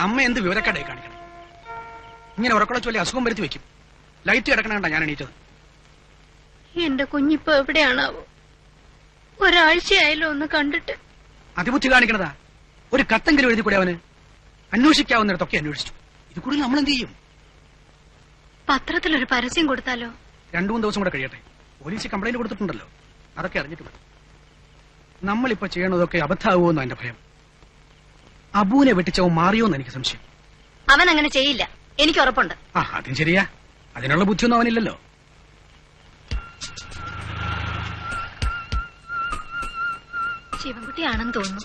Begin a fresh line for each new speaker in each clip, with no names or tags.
അമ്മ എന്ത് വിവരക്കാടായി കാണിക്കണം? ഇങ്ങനെ ഉറക്കളെ ചൊല്ലി അസുഖം വരുത്തി വെക്കും. ലൈറ്റ് കിടക്കണണ്ട ഞാൻ എണീറ്റത്.
എന്റെ കുഞ്ഞിപ്പോ എവിടെയാണാവോ? ഒരാഴ്ചയായാലും ഒന്ന് കണ്ടിട്ട്.
അതിബുദ്ധി കാണിക്കണതാ. ഒരു കത്തെങ്കിലും എഴുതി കൂടെ അവന്. അന്വേഷിക്കാവുന്നിടത്തൊക്കെ അന്വേഷിച്ചു. ഇത് കൂടി നമ്മൾ എന്ത് ചെയ്യും?
പത്രത്തിലൊരു പരസ്യം കൊടുത്താലോ?
2-3 ദിവസം കൂടെ കഴിയട്ടെ. പോലീസ് കംപ്ലൈന്റ് കൊടുത്തിട്ടുണ്ടല്ലോ. അതൊക്കെ അറിഞ്ഞിട്ട് മതി. നമ്മളിപ്പോ ചെയ്യണതൊക്കെ അബദ്ധാവുമെന്ന് എന്റെ ഭയം. അബൂനെ വെട്ടിച്ചവൻ മാറിയോന്ന് എനിക്ക് സംശയം.
അവൻ അങ്ങനെ ചെയ്യില്ല, എനിക്ക് ഉറപ്പുണ്ട്.
അതും ശരിയാ. അതിനുള്ള ബുദ്ധിയൊന്നും അവനില്ലല്ലോ.
ശിവൻകുട്ടിയാണെന്ന് തോന്നുന്നു.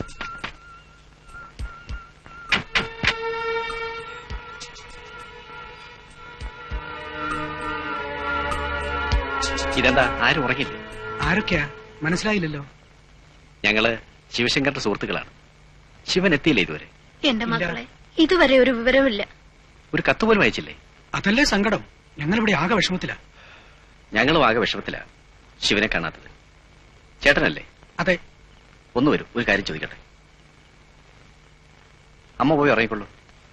ഇതെന്താ, ആരും ഉറങ്ങില്ലേ?
ആരൊക്കെയാ മനസ്സിലായില്ലല്ലോ.
ഞങ്ങള് ശിവശങ്കറിന്റെ സുഹൃത്തുക്കളാണ്. ശിവൻ എത്തിയില്ലേ ഇതുവരെ?
എന്റെ മക്കളെ, ഇതുവരെ ഒരു വിവരമില്ല.
ഒരു കത്ത് പോലും അയച്ചില്ലേ?
അതല്ലേ സങ്കടം. ഞങ്ങളിവിടെ ആകെ വിഷമത്തിലാ.
ഞങ്ങളും ആകെ വിഷമത്തിലാ ശിവനെ കാണാത്തത്. ചേട്ടനല്ലേ?
അതെ.
ഒന്ന് വരൂ, ഒരു കാര്യം ചോദിക്കട്ടെ. അമ്മ പോയി ഉറങ്ങിക്കൊള്ളൂ.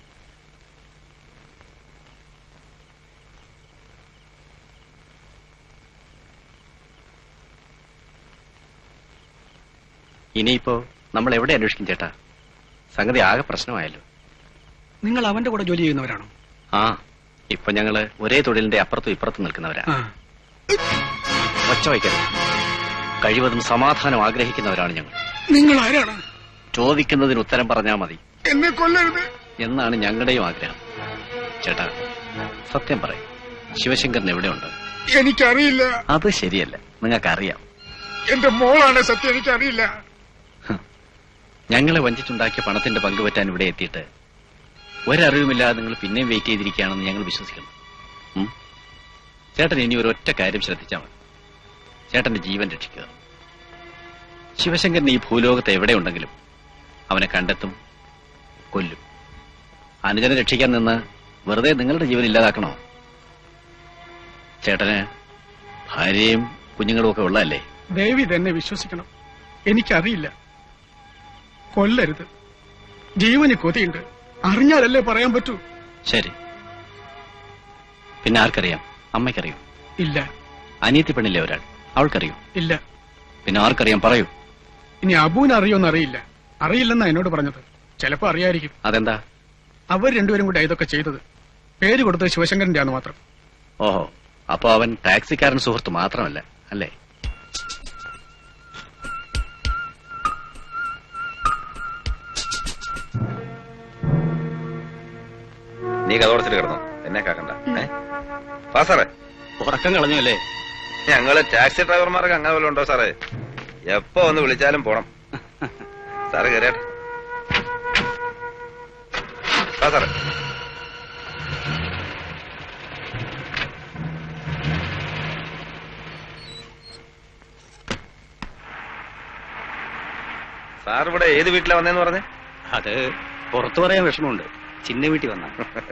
ഇനിയിപ്പോ നമ്മൾ എവിടെ അന്വേഷിക്കും ചേട്ടാ? സംഗതി ആകെ പ്രശ്നമായല്ലോ.
നിങ്ങൾ അവന്റെ കൂടെ ജോലി ചെയ്യുന്നവരാണോ?
ഇപ്പൊ ഞങ്ങള് ഒരേ തൊഴിലിന്റെ അപ്പുറത്തും ഇപ്പുറത്തും നിൽക്കുന്നവരാ. ഒച്ച വയ്ക്കരുത്. കഴിവതും സമാധാനം ആഗ്രഹിക്കുന്നവരാണ് ഞങ്ങൾ.
നിങ്ങൾ ആരാണ്?
ചോദിക്കുന്നതിന് ഉത്തരം പറഞ്ഞാൽ മതി.
എന്നെ കൊല്ലരുത്
എന്നാണ് ഞങ്ങളുടെയും ആഗ്രഹം. ചേട്ടാ, സത്യം പറയും, ശിവശങ്കരൻ എവിടെയുണ്ട്?
എനിക്കറിയില്ല.
അത് ശരിയല്ല, നിങ്ങൾക്കറിയാം.
എന്റെ മോളാണ് സത്യം. എനിക്കറിയില്ല.
ഞങ്ങളെ വഞ്ചിച്ചുണ്ടാക്കിയ പണത്തിന്റെ പങ്കുപറ്റാൻ ഇവിടെ എത്തിയിട്ട് ഒരറിവുമില്ലാതെ നിങ്ങൾ പിന്നെയും വെയിറ്റ് ചെയ്തിരിക്കുകയാണെന്ന് ഞങ്ങൾ വിശ്വസിക്കുന്നു. ചേട്ടൻ ഇനി ഒരൊറ്റ കാര്യം ശ്രദ്ധിച്ചാൽ മതി. ചേട്ടന്റെ ജീവൻ രക്ഷിക്കുക. ശിവശങ്കരൻ ഈ ഭൂലോകത്ത് എവിടെയുണ്ടെങ്കിലും അവനെ കണ്ടെത്തും, കൊല്ലും. അനുജനെ രക്ഷിക്കാൻ നിന്ന് വെറുതെ നിങ്ങളുടെ ജീവൻ ഇല്ലാതാക്കണോ? ചേട്ടന് ഭാര്യയും കുഞ്ഞുങ്ങളും ഒക്കെ ഉള്ളതല്ലേ?
ദേവി തന്നെ വിശ്വസിക്കണം. എനിക്കറിയില്ല. കൊല്ലരുത്. ജീവന് കൊതിയുണ്ട്. അറിഞ്ഞാലല്ലേ പറയാൻ പറ്റൂ.
ശരി. പിന്നെ ആർക്കറിയാം? അമ്മയ്ക്കറിയോ?
ഇല്ല.
അനിയത്തി പെണ്ണില്ലേ ഒരാൾ, അവൾക്കറിയോ?
ഇല്ല.
പിന്നെ ആർക്കറിയാം? പറയൂ.
ഇനി അബൂന് അറിയോന്ന് അറിയില്ല. അറിയില്ലെന്നാ എന്നോട് പറഞ്ഞത്. ചിലപ്പോ അറിയായിരിക്കും.
അതെന്താ?
അവർ രണ്ടുപേരും കൂടി ഇതൊക്കെ ചെയ്തത്. പേര് കൊടുത്തത് ശിവശങ്കരന്റെ ആന്ന് മാത്രം.
ഓഹോ, അപ്പൊ അവൻ ടാക്സിക്കാരൻ സുഹൃത്ത് മാത്രമല്ല അല്ലേ?
നീ കഥോടച്ചിട്ട് കിടന്നു, എന്നെ കാക്കണ്ട. സാറേ,
ഉറക്കം കളഞ്ഞു അല്ലേ?
ഞങ്ങള് ടാക്സി ഡ്രൈവർമാർക്ക് അങ്ങനെ വല്ലതും ഉണ്ടോ സാറേ? എപ്പോ ഒന്ന് വിളിച്ചാലും പോണം. സാറ് കയറിയാട്ടെ. സാറേ, സാർ ഇവിടെ ഏത് വീട്ടിലാ വന്നേന്ന് പറഞ്ഞേ?
അത് പുറത്തു പറയാൻ വിഷമമുണ്ട്. ചിന്ന വീട്ടിൽ വന്ന.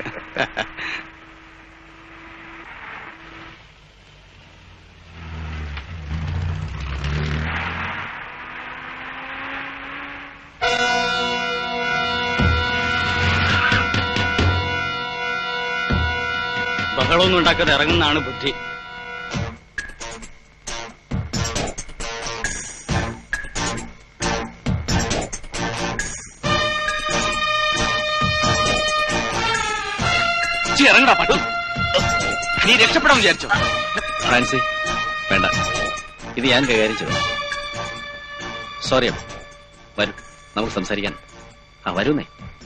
ബഹളമൊന്നും ഉണ്ടാക്കാതെ ഇറങ്ങുന്നതാണ് ബുദ്ധി. ഇറങ്ങടാ പട്ടു. നീ രക്ഷപ്പെടാൻ വിചാരിച്ചോ? ഫ്രാൻസി, വേണ്ട, ഇത് ഞാൻ കൈകാര്യം ചെയ്തു. സോറി അമ്മ. വരൂ, നമുക്ക് സംസാരിക്കാൻ. വരൂന്നേ.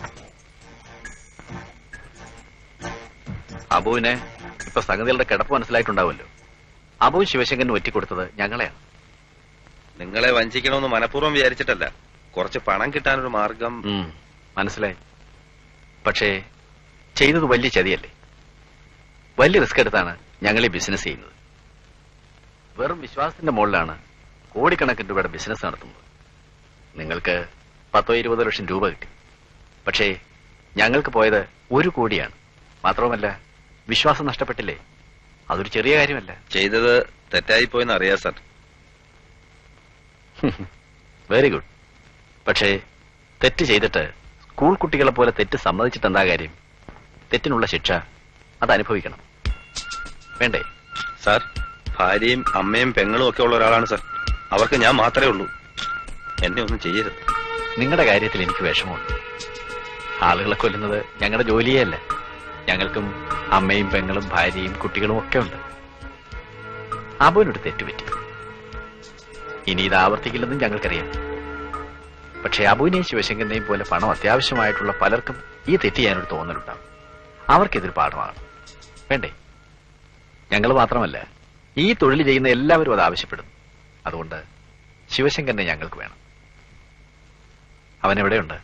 അബുവിനെ ഇപ്പൊ സംഗതികളുടെ കിടപ്പ് മനസ്സിലായിട്ടുണ്ടാവുമല്ലോ. അബു ശിവശങ്കരന് ഒറ്റിക്കൊടുത്തത് ഞങ്ങളെയാണ്.
നിങ്ങളെ വഞ്ചിക്കണമെന്ന് മനഃപൂർവ്വം വിചാരിച്ചിട്ടല്ല. കുറച്ച് പണം കിട്ടാനൊരു മാർഗം.
മനസ്സിലായി. പക്ഷേ ചെയ്തത് വലിയ ചതിയല്ലേ? വലിയ റിസ്ക് എടുത്താണ് ഞങ്ങൾ ഈ ബിസിനസ് ചെയ്യുന്നത്. വെറും വിശ്വാസത്തിന്റെ മുകളിലാണ് കോടിക്കണക്കിന് രൂപയുടെ ബിസിനസ് നടത്തുന്നത്. നിങ്ങൾക്ക് 10-20 ലക്ഷം രൂപ കിട്ടി. പക്ഷേ ഞങ്ങൾക്ക് പോയത് 1 കോടിയാണ്. മാത്രവുമല്ല, വിശ്വാസം നഷ്ടപ്പെട്ടില്ലേ? അതൊരു ചെറിയ കാര്യമല്ല.
ചെയ്തത് തെറ്റായി പോയെന്ന് അറിയാം സാർ.
Very good. പക്ഷേ തെറ്റ് ചെയ്തിട്ട് സ്കൂൾ കുട്ടികളെ പോലെ തെറ്റ് സമ്മതിച്ചിട്ട് എന്താ കാര്യം? തെറ്റിനുള്ള ശിക്ഷ അത് അനുഭവിക്കണം, വേണ്ടേ?
സാർ, ഭാര്യയും അമ്മയും പെങ്ങളും ഒക്കെ ഉള്ള ഒരാളാണ് സാർ. അവർക്ക് ഞാൻ മാത്രമേ ഉള്ളൂ. എന്നെ ഒന്നും ചെയ്യരുത്.
നിങ്ങളുടെ കാര്യത്തിൽ എനിക്ക് വിഷമമുണ്ട്. ആളുകളെ കൊല്ലുന്നത് ഞങ്ങളുടെ ജോലിയേ അല്ല. ഞങ്ങൾക്കും അമ്മയും പെങ്ങളും ഭാര്യയും കുട്ടികളും ഒക്കെ ഉണ്ട്. അബുവിനൊരു തെറ്റുപറ്റി. ഇനി ഇത് ആവർത്തിക്കില്ലെന്നും ഞങ്ങൾക്കറിയാം. പക്ഷേ അബുവിനെയും ശിവശങ്കരനെയും പോലെ പണം അത്യാവശ്യമായിട്ടുള്ള പലർക്കും ഈ തെറ്റ് ചെയ്യാനൊരു തോന്നലുണ്ടാവും. അവർക്കിതൊരു പാഠമാണ്, വേണ്ടേ? ഞങ്ങൾ മാത്രമല്ല, ഈ തൊഴിൽ ചെയ്യുന്ന എല്ലാവരും അത് ആവശ്യപ്പെടുന്നു. അതുകൊണ്ട് ശിവശങ്കരനെ ഞങ്ങൾക്ക് വേണം. അവൻ എവിടെയുണ്ട്?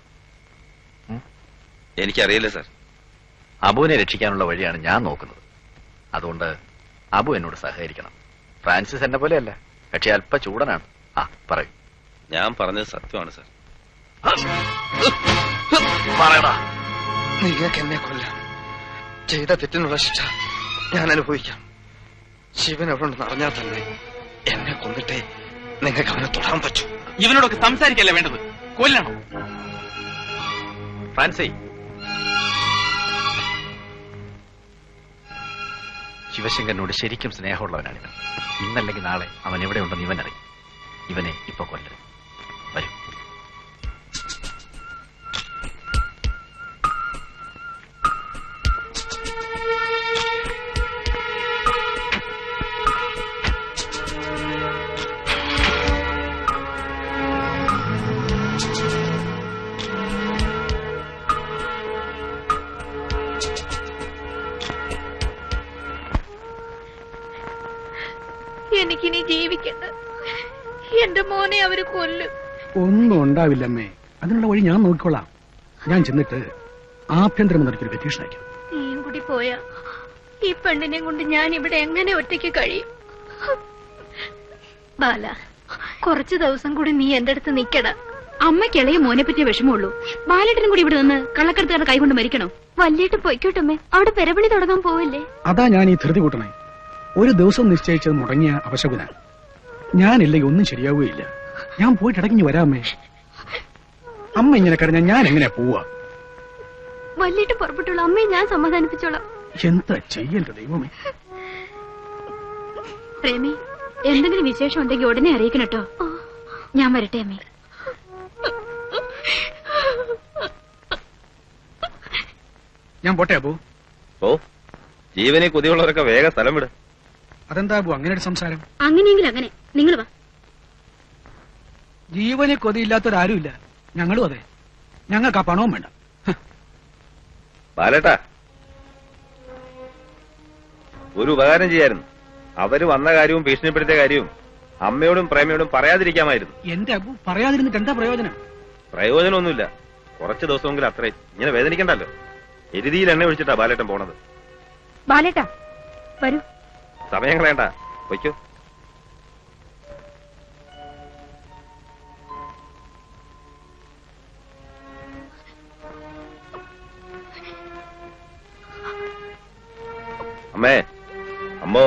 എനിക്കറിയില്ല സാർ.
അബുവിനെ രക്ഷിക്കാനുള്ള വഴിയാണ് ഞാൻ നോക്കുന്നത്. അതുകൊണ്ട് അബു എന്നോട് സഹകരിക്കണം. ഫ്രാൻസിസ് എന്നെ പോലെയല്ല, പക്ഷെ അല്പ ചൂടനാണ്. പറയൂ.
ഞാൻ പറഞ്ഞത് സത്യമാണ് സാർ.
പറയടാ.
നിങ്ങൾക്ക് എന്നെ കൊല്ലാം. ചെയ്ത തെറ്റിനുള്ള ശിക്ഷ ഞാൻ അനുഭവിക്കാം. ശിവൻ എവിടെ ഉണ്ടെന്ന് അറിഞ്ഞാൽ തന്നെ എന്നെ കൊന്നിട്ടേ നിങ്ങൾക്ക് അവനെ തൊടാൻ പറ്റൂ.
ഇവനോടൊക്കെ സംസാരിക്കല്ലേ വേണ്ടത്, കൊല്ലണം. ഫ്രാൻസി, ശിവശങ്കരനോട് ശരിക്കും സ്നേഹമുള്ളവനാണിവൻ. ഇന്നല്ലെങ്കിൽ നാളെ അവൻ എവിടെയുണ്ടെന്ന് ഇവൻ അറിയും. ഇവനെ ഇപ്പൊ കൊല്ലരുത്. വരും.
എനിക്കിനി ജീവിക്കണ്ട. എന്റെ മോനെ അവര് കൊല്ലും.
ഒന്നും ഉണ്ടാവില്ലമ്മേ, അതിനുള്ള വഴി ഞാൻ നോക്കിക്കൊള്ളാം. ഞാൻ ചെന്നിട്ട് ആഭ്യന്തരമന്ത്രിക്കൊരു പെറ്റീഷൻ അയക്കാം.
നീയും കൂടി പോയാ ഈ പെണ്ണിനെ കൊണ്ട് ഞാൻ ഇവിടെ എങ്ങനെ ഒറ്റയ്ക്ക് കഴിയും? ബാല, കുറച്ചു ദിവസം കൂടി നീ എന്റെ അടുത്ത് നിക്കട.
അമ്മയ്ക്ക് ഇളയ മോനെ പറ്റിയ വിഷമമുള്ളൂ. ബാലേട്ടനും കൂടി ഇവിടെ നിന്ന് കള്ളക്കടത്തുകാരുടെ കൈകൊണ്ട് മരിക്കണോ?
വല്യേട്ട് പൊയ്ക്കോട്ടമ്മേ, അവിടെ പെരപണി തുടങ്ങാൻ പോവല്ലേ?
അതാ ഞാൻ ഈ ധൃതി കൂട്ടണേ. ഒരു ദിവസം നിശ്ചയിച്ചത് മുടങ്ങിയ അപശകുന. ഞാനില്ലെങ്കിൽ ഒന്നും ശരിയാവുകയില്ല. ഞാൻ പോയിട്ട് ഇടയ്ക്ക് വരാമേ. അമ്മ ഇങ്ങനെ കരഞ്ഞാൽ ഞാൻ എങ്ങനെയാ പോവാ?
വല്യേട്ട് പുറപ്പെട്ടുള്ള അമ്മയെ ഞാൻ സമാധാനിപ്പിച്ചോളാം.
എന്താ ചെയ്യണ്ട ദൈവമേ.
പ്രേമി, എന്തെങ്കിലും വിശേഷം ഉണ്ടെങ്കിൽ ഉടനെ അറിയിക്കണം കേട്ടോ. ഞാൻ വരട്ടെ അമ്മേ.
ഞാൻ പോട്ടെ അബു.
ഓ, ജീവനെ കൊതിയുള്ളവരൊക്കെ വേഗം സ്ഥലം വിട്.
അതെന്താ അബു അങ്ങനെ ഒരു സംസാരം?
അങ്ങനെയെങ്കിൽ അങ്ങനെ, നിങ്ങൾ വാ.
ജീവനെ കൊതിയില്ലാത്തൊരാരുമില്ല. ഞങ്ങളും അതെ. ഞങ്ങൾക്ക് ആ പണവും വേണ്ട.
ബാലേട്ടാ, ഒരു ഉപകാരം ചെയ്യായിരുന്നു. അവര് വന്ന കാര്യവും ഭീഷണിപ്പെടുത്തിയ കാര്യവും അമ്മയോടും പ്രേമയോടും പറയാതിരിക്കാമായിരുന്നു.
എന്റെ അബു, പറയാതിരുന്നിട്ട് എന്താ പ്രയോജനം?
പ്രയോജനമൊന്നുമില്ല. കുറച്ച് ദിവസമെങ്കിലും അത്രയും. ഇങ്ങനെ വേദനിക്കണ്ടല്ലോ. എരുതിയിൽ എണ്ണ ഒഴിച്ചിട്ടാ ബാലേട്ടൻ പോണത്.
ബാലേട്ടാ വരൂ.
സമയം കളയണ്ട, വയ്ക്കോ. അമ്മേ, അമ്മോ,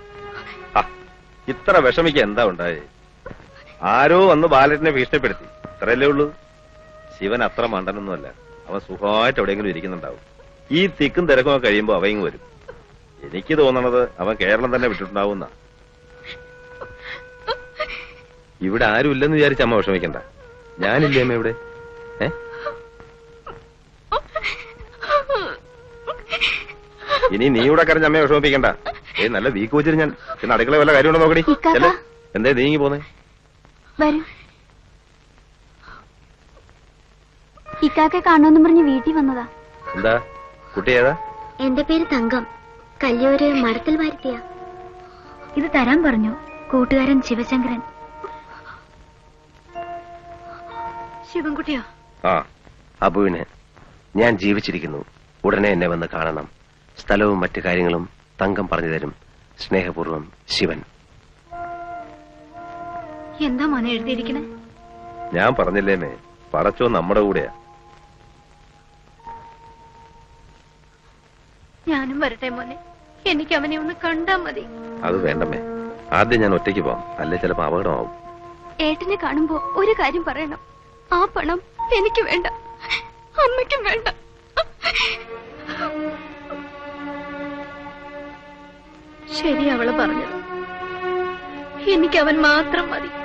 ഇത്ര വിഷമിക്ക എന്താ ഉണ്ടായേ? ആരോ വന്ന് ബാലറ്റിനെ ഭീഷണിപ്പെടുത്തി, ഇത്രയല്ലേ ഉള്ളൂ. ശിവൻ അത്ര മണ്ടനൊന്നുമല്ല. അവൻ സുഖമായിട്ട് എവിടെയെങ്കിലും ഇരിക്കുന്നുണ്ടാവും. ഈ തിക്കും തിരക്കും കഴിയുമ്പോ അവയും വരും. എനിക്ക് തോന്നണത് അവൻ കേരളം തന്നെ വിട്ടിട്ടുണ്ടാവുന്ന. ഇവിടെ ആരും ഇല്ലെന്ന് വിചാരിച്ച അമ്മ വിഷമിക്കണ്ട. ഞാനില്ലേ അമ്മ ഇവിടെ? ഇനി നീ ഇവിടെ കരഞ്ഞ അമ്മയെ വിഷമിപ്പിക്കണ്ട. നല്ല വീക്ക് വെച്ചിട്ട് ഞാൻ പിന്നെ അടുക്കള വല്ല കാര്യമുണ്ടോ നോക്കടി. എന്തേ നീങ്ങി പോന്നേ?
ഇക്കാക്കെ കാണുമെന്ന് പറഞ്ഞ് വീട്ടിൽ വന്നതാ.
എന്താ കുട്ടി ഏതാ?
എന്റെ പേര് തങ്കം. കല്യൂര് മരത്തിൽ വരുത്തിയ. ഇത് തരാൻ പറഞ്ഞു കൂട്ടുകാരൻ ശിവശങ്കരൻ. ശിവൻകുട്ടിയോ?
ആ, അബുവിന് ഞാൻ ജീവിച്ചിരിക്കുന്നു. ഉടനെ എന്നെ വന്ന് കാണണം. സ്ഥലവും മറ്റു കാര്യങ്ങളും തങ്കം പറഞ്ഞു തരും. സ്നേഹപൂർവ്വം, ശിവൻ.
എന്താ മോനെ എഴുതിയിരിക്കണേ?
ഞാൻ പറഞ്ഞില്ലേമേ, പടച്ചോ നമ്മുടെ കൂടെയാ.
ഞാനും വരട്ടെ മോനെ. എനിക്ക് അവനെ ഒന്ന് കണ്ടാ മതി.
അത് വേണ്ടമ്മേ, ആദ്യം ഞാൻ ഒറ്റയ്ക്ക് പോവാം. അല്ലെ ചിലപ്പോ അപകടമാവും.
ഏട്ടനെ കാണുമ്പോ ഒരു കാര്യം പറയണം. ആ പണം എനിക്ക് വേണ്ട. അമ്മയ്ക്കും വേണ്ട. ശരി അവള് പറഞ്ഞത്. എനിക്ക് അവൻ മാത്രം മതി.